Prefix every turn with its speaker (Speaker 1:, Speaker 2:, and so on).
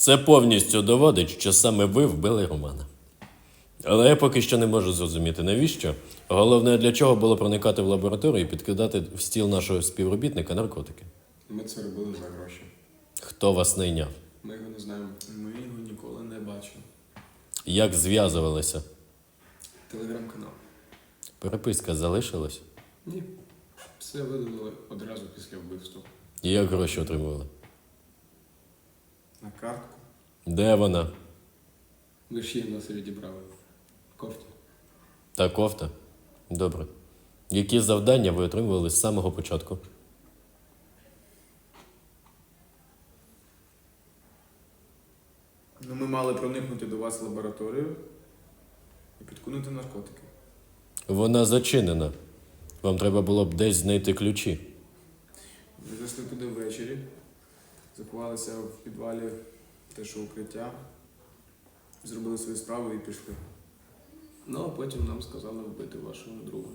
Speaker 1: Це повністю доводить, що саме ви вбили Романа. Але я поки що не можу зрозуміти, навіщо. Головне, для чого було проникати в лабораторію і підкидати в стіл нашого співробітника наркотики.
Speaker 2: Ми це робили за гроші.
Speaker 1: Хто вас найняв?
Speaker 2: Ми його не знаємо.
Speaker 3: Ми його ніколи не бачили.
Speaker 1: Як зв'язувалися?
Speaker 2: Телеграм-канал.
Speaker 1: Переписка залишилась?
Speaker 2: Ні. Все видалили одразу після вбивства.
Speaker 1: І як гроші отримували?
Speaker 3: На картку.
Speaker 1: Де вона?
Speaker 2: Ви ж її нас відібрали. Кофті.
Speaker 1: Та кофта? Добре. Які завдання ви отримували з самого початку?
Speaker 3: Ну, ми мали проникнути до вас в лабораторію і підкинути наркотики.
Speaker 1: Вона зачинена. Вам треба було б десь знайти ключі.
Speaker 3: Ми зайшли туди ввечері, заховалися в підвалі те, що укриття, зробили свою справу і пішли.
Speaker 2: Ну, а потім нам сказали вбити вашого друга.